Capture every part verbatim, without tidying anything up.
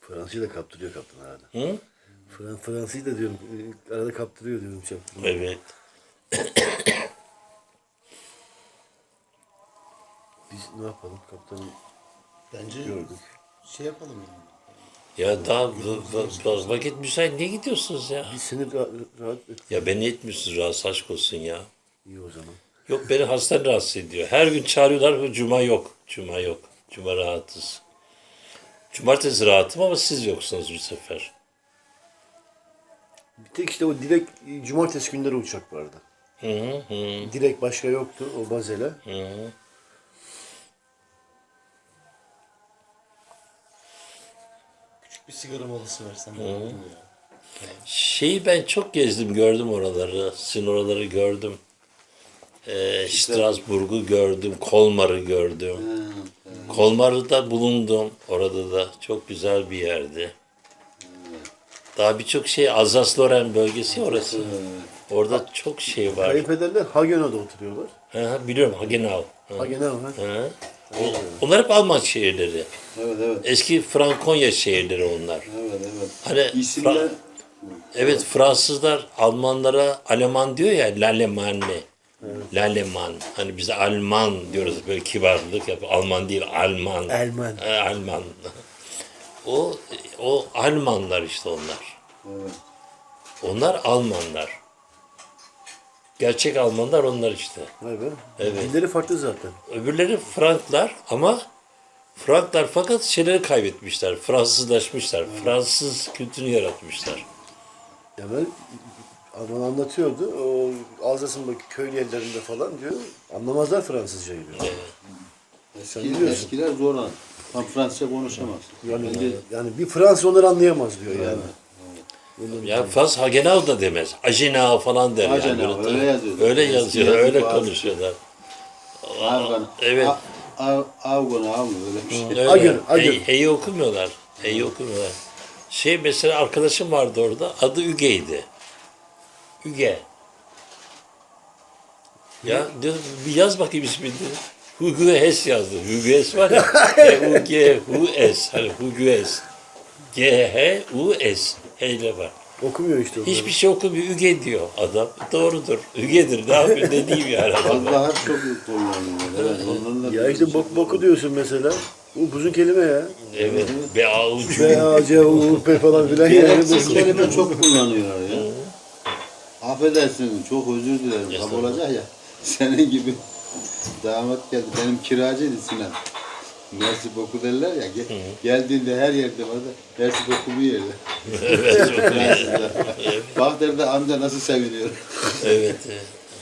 Fransızca da kaptırıyor kaptan arada. Hı? Fran Fransızca da diyorum. e, Arada kaptırıyor diyorum çaptım. Evet. Biz ne yapalım kaptanım? Bence Gördük. şey yapalım yani. Ya daha va- va- va- vakit müsait, niye gidiyorsunuz ya? Biz seni rahat, rahat et. Ya beni etmiyorsunuz, rahatsız aşk olsun ya. İyi o zaman. Yok, beni hasta rahatsız ediyor. Her gün çağırıyorlar, cuma yok. Cuma yok. Cuma rahatız. Cumartesi rahatım ama siz yoksunuz bu sefer. Bir tek işte o direkt e, cumartesi günleri uçak vardı. Hı hı hı. Direkt başka yoktu o Bazel'e. hı. Küçük bir sigara molası versen de olur ya. Şeyi ben çok gezdim, gördüm oraları. Sizin oraları gördüm. Ee, Strasbourg'u gördüm, Kolmar'ı gördüm. Kolmar'da bulundum. Orada da çok güzel bir yerdi. Daha birçok şey, Alsace-Lorraine bölgesi orası. Orada çok şey var. Kayınpederler Hagenau'da oturuyorlar. Hı hı, biliyorum, Hagenau. Hı Hagenau ha. hı. O- Onlar hep Alman şehirleri. Evet evet. Eski Frankonya şehirleri onlar. Evet evet. Hani İsimler Fra- evet, Fransızlar Almanlara Alman diyor ya, l'Allemagne. L'Allemand. Hani biz Alman diyoruz, böyle kibarlık yap. Alman değil, Alman. Alman. E, Alman. O o Almanlar işte onlar. evet. Onlar Almanlar. Gerçek Almanlar onlar işte. Vay be. Evet. Dilleri farklı zaten. Öbürleri Franklar ama Franklar fakat şeyleri kaybetmişler. Fransızlaşmışlar. Fransız kültürünü yaratmışlar. Ya ben Alman anlatıyordu. O Alsas'ın bak köy yerlerinde falan diyor. Anlamazlar Fransızcayı diyor. Sen Eski, biliyorsun. eskiler zor an. Tam Fransızca konuşamaz. Yani, Bence yani bir Fransız onları anlayamaz diyor yani. Ya Fransız Hagenau da demez. Agenau falan der. yani. Hagenau, Böyle- öyle yazıyor. Öyle Eski yazıyor, yazı öyle bazı- konuşuyorlar. Avgan. Evet. Avgan avgan öyle bir şey. Öyle. Agen, agen. Hey, hey okumuyorlar. Hey okumuyorlar. Şey mesela arkadaşım vardı orada. Adı Üge'ydi. Üge. Ya dedim, bir yaz bakayım ismini. Hugo Hess yazdı. Hugo Hess var ya. H U G H S. Hani Hugo Hess. G H U S. Heyle var. Okumuyor işte onları. Hiçbir şey okumuyor. Üge diyor adam. Doğrudur. Ügedir. Ne yapayım, ne diyeyim yani. Vallahi çok kullanıyorlar. Evet. Onların da Ya işte bok boku diyorsun mesela. Bu buzun kelime ya. Evet. Be avucu. B A C U P falan filan yani. gereksiz Bu- kelime çok kullanıyorlar ya. Affedersin, çok özür dilerim. Kab olacak ya. Senin gibi damat geldi. Benim kiracıydı Sinan. Mersi boku derler ya. Gel, geldiğinde her yerde vardı. Mersi boku bir yerde. Evet, çok iyi. Bak derdi amca nasıl seviniyor. Evet. evet.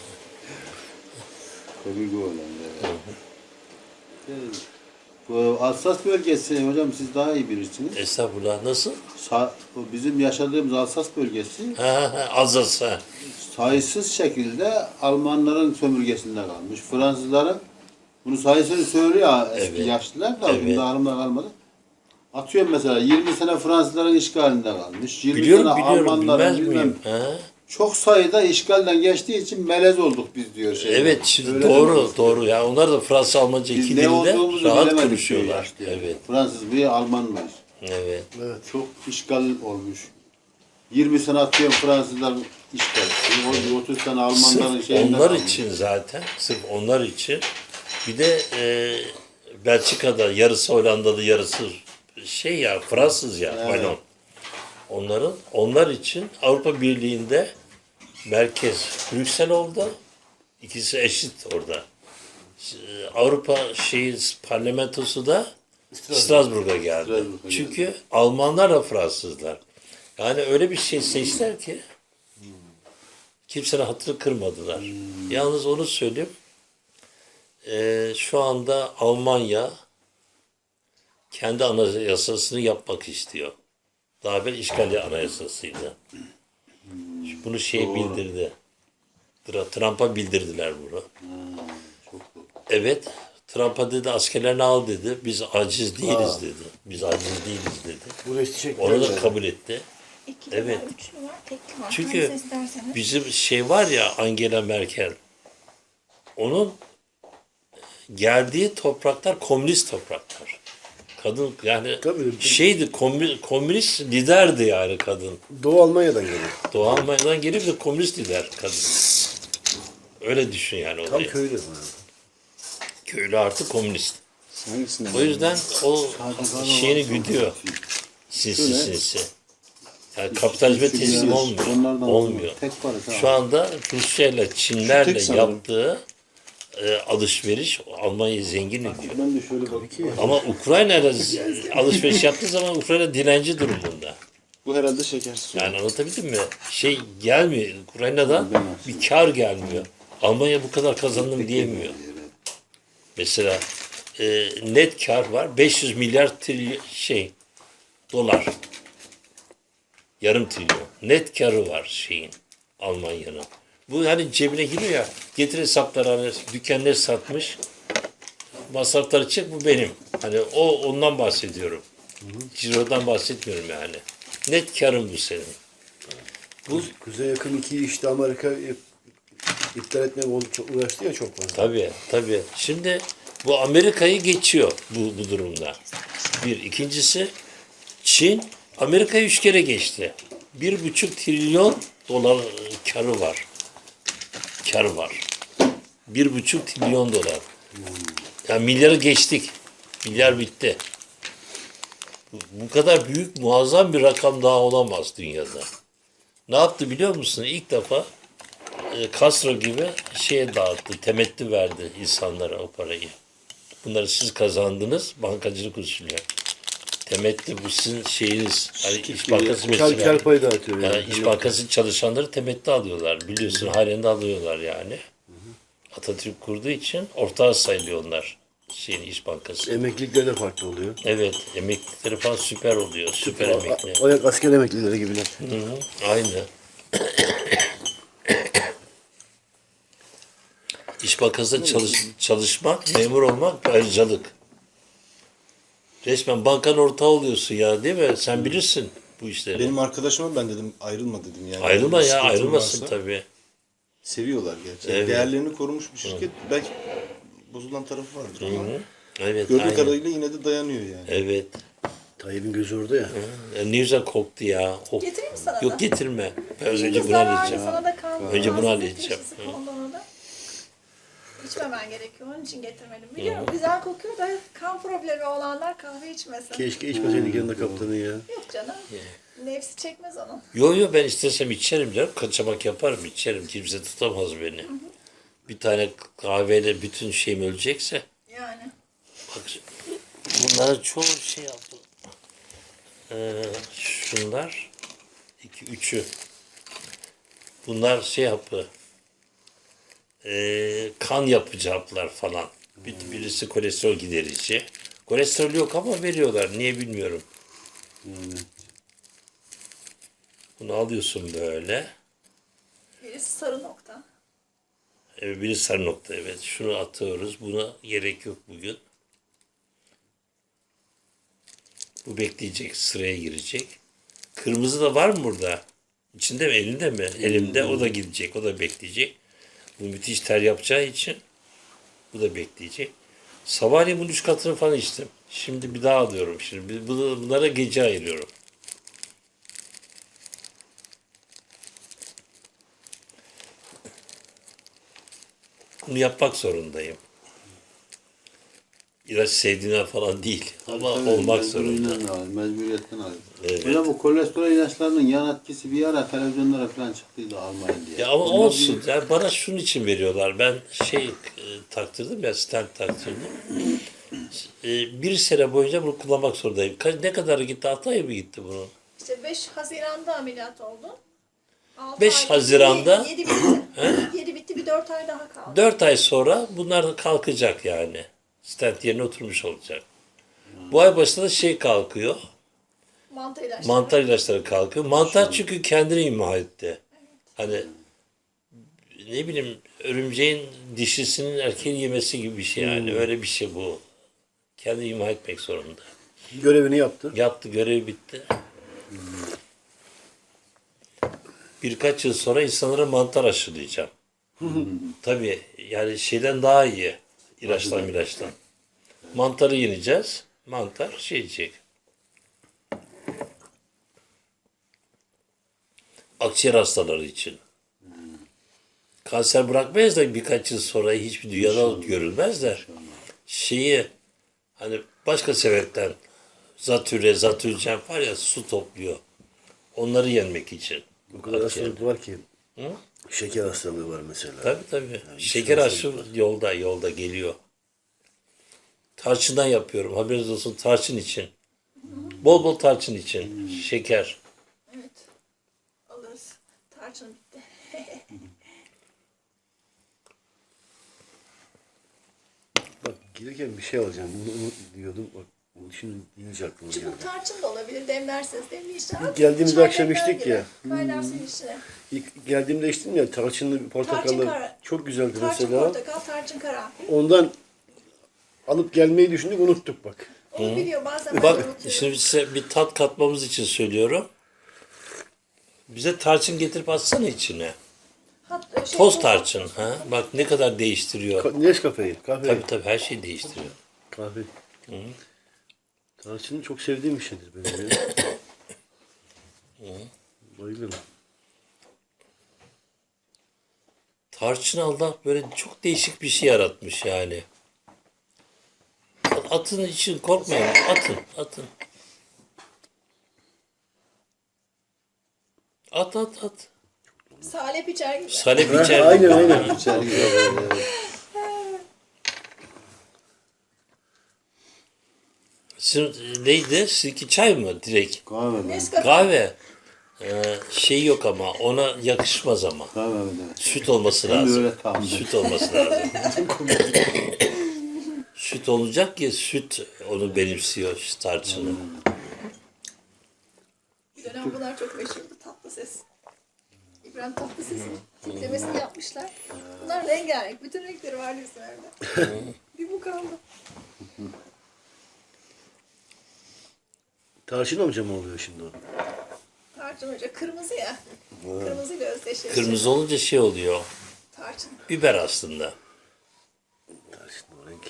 Komik oğlanlar. Evet. Bu Alsas bölgesi hocam siz daha iyi bilirsiniz. Estağfurullah. Nasıl? Sa- bu bizim yaşadığımız Alsas bölgesi Ha, ha, Alsace. Ha. sayısız şekilde Almanların sömürgesinde kalmış. Fransızların bunu sayısını söylüyor ha, eski Evet. yaşlılar da Evet. bunda alımda kalmadı. Atıyorum mesela yirmi sene Fransızların işgalinde kalmış. yirmi Biliyorum, sene biliyorum. Almanların Bilmez bilmem. miyim? Ha? Çok sayıda işgalden geçtiği için melez olduk biz diyor şey. Evet, şimdi Öyle doğru, demiyoruz. doğru. Ya onlar da Fransız Almanca Biz iki ne dilde olduğumuzu rahat bilemedik diyor konuşuyorlar. yaşlı yani. Evet, Fransız mıyız, Alman mıyız? evet. Evet. Çok işgal olmuş. yirmi sene atıyorum Fransızlar işgal. O otuz sene Almanların Sırf şeyinden onlar almış. için zaten, sırf onlar için. Bir de e, Belçika'da yarısı Hollandalı, yarısı şey ya, Fransız ya, Evet. Valon. Onların, onlar için Avrupa Birliği'nde merkez Brüksel oldu. İkisi eşit orada. Ee, Avrupa şeyi parlamentosu da Strasbourg'a geldi. Strasbourg'a Çünkü Almanlar da Fransızlar. Yani öyle bir şey seçtiler ki kimsenin hatırı kırmadılar. Yalnız onu söyleyeyim. Ee, şu anda Almanya kendi anayasasını yapmak istiyor. Daha evvel işgali anayasasıydı. Bunu şey bildirdi. Tra- Trump'a bildirdiler bunu. Evet. Trump'a dedi askerlerini al dedi. Biz aciz değiliz dedi. Biz aciz değiliz dedi. Bu resti çektiler. Onu da yani. kabul etti. İki Evet. var, üç var, tek var. Çünkü Hangisi isterseniz. bizim şey var ya, Angela Merkel. Onun geldiği topraklar komünist topraklar. Kadın yani Tabii. şeydi komü- komünist liderdi yani kadın. Doğu Almanya'dan geliyor. Doğu Almanya'dan gelip de komünist lider kadın. Öyle düşün yani Tam olayı. köylü. Köylü artık komünist. Hangisinden? O yüzden o şeyini güdüyor. Şöyle. Sinsi sinsi. Yani kapitalizme Şu teslim biraz olmuyor. onlardan Olmuyor. tek parça. Şu anda Rusya ile Çinlerle tek sanırım. yaptığı e, alışveriş Almanya'yı zengin ediyor. Ben de şöyle bakayım. Ama Ukrayna ile z- alışveriş yaptığı zaman Ukrayna dilenci durumunda. Bu herhalde şekersiz. Yani anlatabildim mi? Şey gelmiyor. Ukrayna'dan bir kar gelmiyor. Almanya bu kadar kazandım diyemiyor. Mesela e, net kar var. beş yüz milyar trilyon şey dolar. Yarım trilyon. Net karı var şeyin Almanya'nın. Bu hani cebine giriyor ya. Getir hesapları hani dükkanları satmış. Masrafları çek bu benim. Hani o ondan bahsediyorum. Ciro'dan bahsetmiyorum yani. Net karın bu senin. Bu Kuzey yakın iki işte Amerika iptal etmeye oldu- çok uğraştı ya çok fazla. Tabii tabii. Şimdi bu Amerika'yı geçiyor bu, bu durumda. Bir. İkincisi Çin Amerika'yı üç kere geçti. Bir buçuk trilyon dolar karı var. Karı var. Bir buçuk trilyon dolar. Yani milyarı geçtik. Milyar bitti. Bu, bu kadar büyük muazzam bir rakam daha olamaz dünyada. Ne yaptı biliyor musun? İlk defa e, Castro gibi şeye dağıttı, temettü verdi insanlara o parayı. Bunları siz kazandınız bankacılık usulü. Temettü bu sizin şeyiniz. Hani İş Bankası Kar, mesela. kar payı dağıtıyor yani. Yani İş Bankası çalışanları temettü alıyorlar. Biliyorsun halen de alıyorlar yani. Atatürk kurduğu için ortağı sayılıyor onlar. Şeyin İş Bankası. Emeklilikleri de farklı oluyor. Evet, emeklilikleri falan süper oluyor. Süper emekli. O yak asker emeklileri gibiler. Hı hı, aynı. İş Bankası'nda çalış, çalışmak, memur olmak bir ayrıcalık. Resmen bankanın ortağı oluyorsun ya değil mi? Sen bilirsin bu işleri. Benim arkadaşıma ben dedim ayrılma dedim yani. Ayrılma ya, Sıkıntın ayrılmasın varsa tabii. Seviyorlar gerçekten. Evet. Değerlerini korumuş bir şirket. Belki bozulan tarafı vardır ama Hı, evet, gördüğü aynen. kadarıyla yine de dayanıyor yani. Evet. Tayyip'in gözü orada ya. Ya ne güzel koktu ya. Oh. Getireyim mi sana da? Yok getirme. Ben önce bunu Zararlı, halledeceğim. sana da kan. Önce bunu rahatsızlık halledeceğim. teşhisi Hı. kondu ona da. İçmemen gerekiyor. Onun için getirmedim. Biliyorum güzel kokuyor da kan problemi olanlar kahve içmesin. Keşke içmeseydik yanında kaptanı ya. Yok canım. Nefsi çekmez onun. Yo yo ben istesem içerim canım. Kaçamak yaparım içerim. Kimse tutamaz beni. Bir tane kahveyle bütün şeyim ölecekse. Yani. Bak bunların çoğu şey yaptı. Ee, şunlar iki üçü. Bunlar şey yapı. Ee, kan yapıcı haplar falan. Bir, birisi kolesterol giderici. Kolesterol yok ama veriyorlar. Niye bilmiyorum. Bunu alıyorsun böyle. Birisi sarı nokta. Evet, biri sarı nokta evet. Şunu atıyoruz. Buna gerek yok bugün. Bu bekleyecek. Sıraya girecek. Kırmızı da var mı burada? İçinde mi? Elinde mi? Elimde. O da gidecek. O da bekleyecek. Bu müthiş ter yapacağı için bu da bekleyecek. Sabahleyin bunun üç katını falan içtim. Şimdi bir daha alıyorum. Şimdi bunu- bunlara gece ayırıyorum. Bunu yapmak zorundayım. İlaç sevdiğinden falan değil. Ama Tabii, olmak zorunda. mecburiyetten alıyor, Mecburiyetten alıyor. Evet. Böyle bu kolesterol ilaçlarının yan etkisi bir ara televizyonlara falan çıktıydı almayın diye. Ya ama Bunlar olsun. Yani bana şunun için veriyorlar. Ben şey e, taktırdım ya, stent taktırdım. E, bir sene boyunca bunu kullanmak zorundayım. Ka- ne kadar gitti? altı ay mı gitti bunun? İşte beş Haziran'da ameliyat oldun. Altı beş ay- Haziran'da- yedi bitti. yedi bitti bir dört ay daha kaldı. dört ay sonra bunlar da kalkacak yani. Stent yerine oturmuş olacak. Bu ay başında da şey kalkıyor. Mantı ilaçları. Mantar ilaçları kalkıyor. Mantar çünkü kendini imha etti. Hani ne bileyim örümceğin dişisinin erkeğin yemesi gibi bir şey yani. Öyle bir şey bu. Kendini imha etmek zorunda. Görevini yaptı. Yaptı, görevi bitti. Birkaç yıl sonra insanlara mantar aşılayacağım. Tabii yani şeyden daha iyi. İlaçtan ilaçtan. Mantarı yeneceğiz. Mantar şey yiyecek. Akciğer hastaları için. Kanser bırakmayız da birkaç yıl sonra hiçbir dünyada görülmez de şeyi hani başka sebepten zatüre, zatürren var ya su topluyor. Onları yenmek için. O kadar Akciğer. hastalık var ki. Hı? Şeker hastalığı var mesela. Tabii tabii. Şeker aşı yolda yolda geliyor. Tarçından yapıyorum. Haberiniz olsun tarçın için. Bol bol tarçın için. Şeker. Evet. Alırız. Tarçın bitti. Bak gelirken bir şey alacağım. Bunu unut diyordum. Bak bunu şimdi deyince aklıma geldi. Çubuk tarçın da olabilir. Demlerseniz demleyişler. İlk geldiğimizde Çay akşam demler içtik gibi. ya. Kaynarsın içine. İlk geldiğimde içtim ya tarçınlı Tarçın portakallı. kara. Çok güzeldi Tarçın mesela. portakal, tarçın karanfil. Ondan alıp gelmeyi düşündük unuttuk bak. Onu biliyor bazen ben de Bak unutuyorum. şimdi size bir tat katmamız için söylüyorum. Bize tarçın getirip atsana içine. Hatta şey, Toz tarçın. Ha? Bak ne kadar değiştiriyor. Ka- Nescafe'yi, kahve. Tabii tabii her şeyi değiştiriyor. Kahve. Tarçını çok sevdiğim bir şeydir benim ya. Bayılırım. Tarçın Allah böyle çok değişik bir şey yaratmış yani. Atın için korkmayın. Atın, atın. At, at, at. salep içer gibi. Salep Ha, içer. aynen aynen. İçer gibi böyle. Sizin, neydi? Sizinki çay mı direkt? Kahve ben. Nescafe. Kahve. Ee, şey yok ama ona yakışmaz ama. Kahve ben. Süt olması Ben de lazım. öyle tahmin ettim. Süt olması lazım. Süt olacak ki süt onu benimsiyor şu tarçını. Bir dönem bunlar çok meşhurdu. Tatlı ses. İbrahim Tatlıses'in tiplemesini yapmışlar. Bunlar rengarenk. Bütün renkleri var liselerde. Bir bu kaldı. Tarçın amca mı oluyor şimdi o? Tarçın hoca kırmızı ya. Kırmızıyla özdeşleşti. Kırmızı olunca şey oluyor. Tarçın. Biber aslında. Tarçın o renk.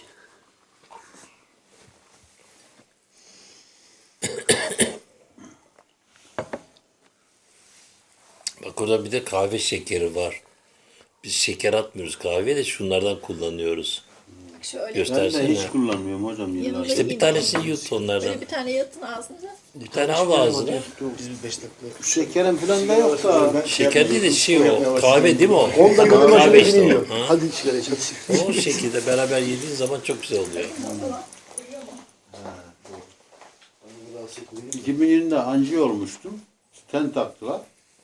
Bak orada bir de kahve şekeri var. Biz şeker atmıyoruz kahveye de şunlardan kullanıyoruz. Bak şöyle. Göster. Ben de Tersine. hiç kullanmıyorum hocam yıllardır. Yanında İşte bir tanesini yut Böyle onlardan. bir tane yatın ağzınıza. Bir tane al ağzına. Biz bir beş dakika. Şekerim falan da yok da. Şeker değil de şey o. Kahve değil mi o? on dakikada Kahve başına işte o. iniyor. Ha? Hadi sigara içelim. O şekilde beraber yediğin zaman çok güzel oluyor. iki bin yirmide anjiyo olmuştum. Stent taktılar.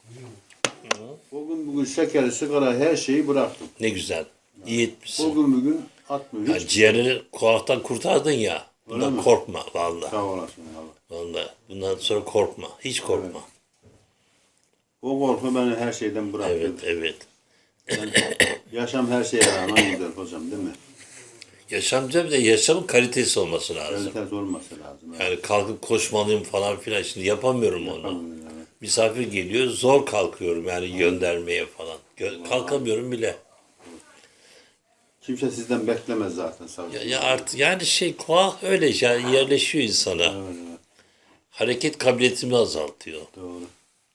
O gün bugün şekeri, sigara her şeyi bıraktım. Ne güzel. İyi O etmişsin. gün bugün atmıyor. Ya Hiç ciğerini kulaktan kurtardın ya. Bundan Öyle mi? korkma vallahi. sağ olasın abi. Vallahi. Bundan sonra korkma. Hiç korkma. O korku beni her şeyden bıraktı. Evet, evet. Yaşam her şeye rağmen güzel hocam değil mi? Yaşamca bir de yaşamın kalitesi olması lazım. Kalitesi olması lazım. Evet. Yani kalkıp koşmalıyım falan filan. Şimdi yapamıyorum onu. Yapamıyorum, evet. Misafir geliyor, zor kalkıyorum yani göndermeye falan. Gö- kalkamıyorum bile. Kimse sizden beklemez zaten sağ olun. Ya, ya artık yani şey kuah öyle yani yerleşiyor insana. Evet, evet, Hareket kabiliyetimi azaltıyor. doğru.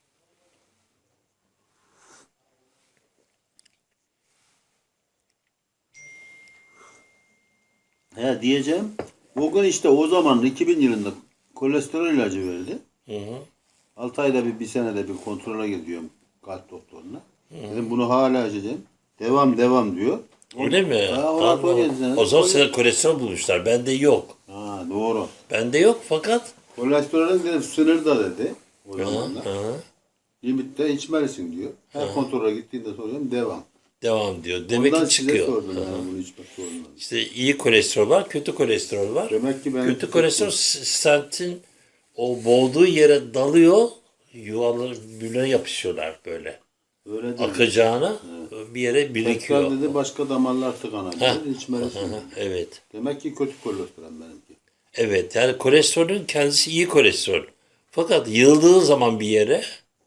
He diyeceğim. Bugün işte o zaman iki bin yılında kolesterol ilacı verdi. Hı hı. altı ayda bir, bir senede bir kontrole gidiyorum kalp doktoruna. Dedim bunu hala içeceğim. Devam devam diyor. Öyle mi? Ha, o Allah rapor Allah. geldi sana. O zaman sana kolesterol bulmuşlar. Bende yok. Ha doğru. Bende yok fakat Kolesterolün dedim sınırda dedi. O hı, zamanlar. hı, Limitte içmelisin diyor. Her kontrole gittiğinde soruyorum devam. devam diyor. Demek Ondan ki size çıkıyor. sordum Hı. yani bunu içmek sormadım. İşte iyi kolesterol var, kötü kolesterol var. Demek ki ben Kötü kolesterol s- stentin o boğduğu yere dalıyor. Yuvaları birbirine yapışıyorlar böyle. öyle dedi. Akacağına bir yere birikiyor. Tekrar dedi başka damarlar tıkanabilir. İçmelisin. Hı, evet. Demek ki kötü kolesterol benimki. Evet yani kolesterolün kendisi iyi kolesterol. Fakat yığıldığı zaman bir yere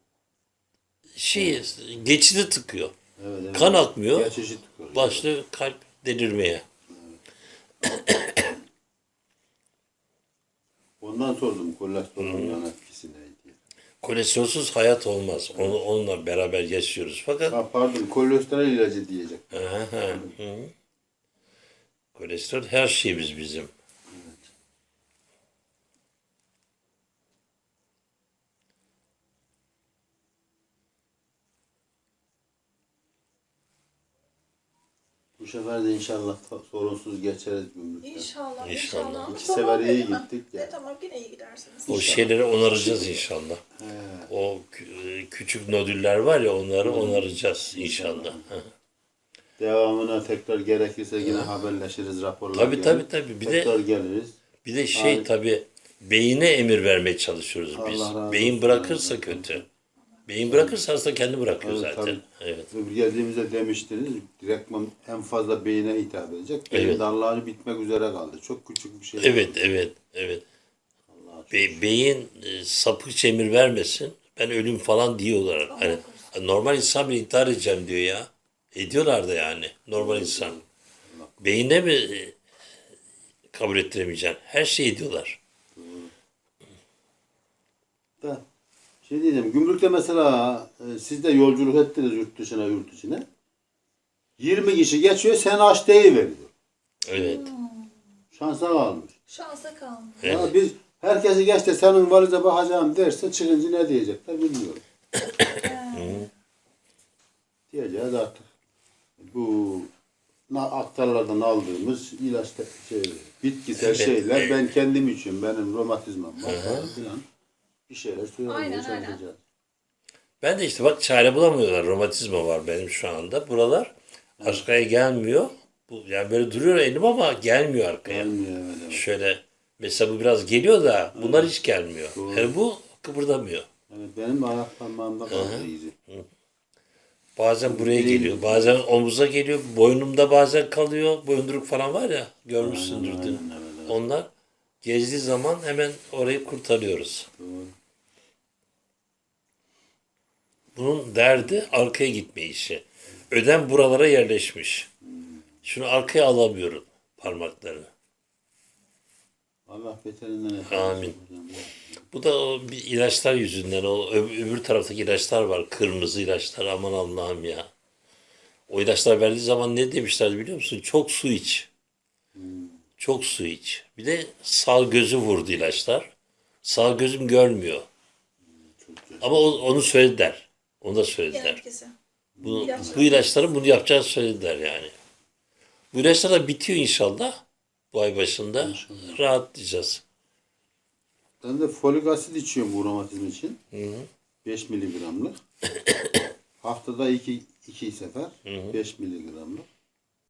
şey geçidi tıkıyor. Evet, evet. Kan akmıyor. Geçici tıkıyor. Başlıyor kalp delirmeye. sordum kolesterolün yan etkisi ne diye. Kolesterolsüz hayat olmaz. Onu, onunla beraber yaşıyoruz. Fakat Ha, pardon kolesterol ilacı diyecek. Aha, hı. Kolesterol her şeyimiz bizim. Bu sefer de inşallah ta- sorunsuz geçeriz gümrükten. İnşallah, İnşallah. inşallah. Ama İki tamam sefer iyi dedim ben. gittik ya. E, tamam yine iyi gidersiniz. O şeyleri onaracağız inşallah. O kü- küçük nodüller var ya onları onaracağız inşallah. Hı. Devamına tekrar gerekirse yine haberleşiriz, raporlar Tabii, gelir. tabii, tabii. Bir de- tekrar geliriz. Bir de şey Abi- tabii beyine emir vermeye çalışıyoruz biz. Allah razı Beyin olsun. bırakırsa kötü. Beyin bırakırsa hasta kendi bırakıyor Evet, zaten. tabii. Evet. Öbür geldiğimizde demiştiniz, direktman en fazla beyine hitap edecek. Beyin Evet. dalları bitmek üzere kaldı. Çok küçük bir şey. Evet, evet, evet. Be- beyin e, sapıkça emir vermesin. Ben ölüm falan diyorlar. Hani normal insan bile intihar edeceğim diyor ya. Ediyorlar da yani normal insan. Beyine mi e, kabul ettiremeyeceksin? Her şeyi ediyorlar. Da, şey diyeceğim, gümrükte mesela e, siz de yolculuk ettiniz yurt dışına yurt içine. yirmi kişi geçiyor, sen aç veriyor. Evet. Şansa kalmış. Şansa kalmış. Evet. Ya biz herkesi geç de senin valize bakacağım derse çıkınca ne diyecekler bilmiyorum. Diyeceğiz artık. Bu na- aktarlardan aldığımız ilaç şey, bitkisel Evet, şeyler evet. ben kendim için benim romatizmam var falan filan bir şeyler söylemeye Aynen, aynen. çalışacağız. Ben de işte bak çare bulamıyorlar. Romatizma var benim şu anda. Buralar arkaya gelmiyor. Bu, yani böyle duruyor elim ama gelmiyor arkaya. Gelmiyor evet, evet. Şöyle mesela bu biraz geliyor da bunlar hiç gelmiyor. Doğru. Yani bu kıpırdamıyor. Evet, benim ayak parmağımda kaldı izi. Bazen buraya Değil. geliyor, bazen omuza geliyor, boynumda bazen kalıyor. Boyunduruk falan var ya, görmüşsündür Aynen, dün. aynen, evet, evet. Onlar gezdiği zaman hemen orayı kurtarıyoruz. Doğru. Bunun derdi arkaya gitme işi. Ödem buralara yerleşmiş. Şunu arkaya alamıyorum parmaklarını. Allah beterinden etsin. Amin. Bu da o bir ilaçlar yüzünden. O ö- öbür taraftaki ilaçlar var. Kırmızı ilaçlar. Aman Allah'ım ya. O ilaçlar verdiği zaman ne demişler biliyor musun? Çok su iç. Çok su iç. Bir de sağ gözü vurdu ilaçlar. Sağ gözüm görmüyor. Ama o- onu söylediler. Onu da söylediler. Herkese. Bu, İlaç- bu ilaçların bunu yapacağını söylediler yani. Bu ilaçlar da bitiyor inşallah. Bu ay başında. Rahatlayacağız. Ben de folik asit içiyorum bu romatizm için. beş miligramlık. Haftada iki, iki sefer. beş miligramlık.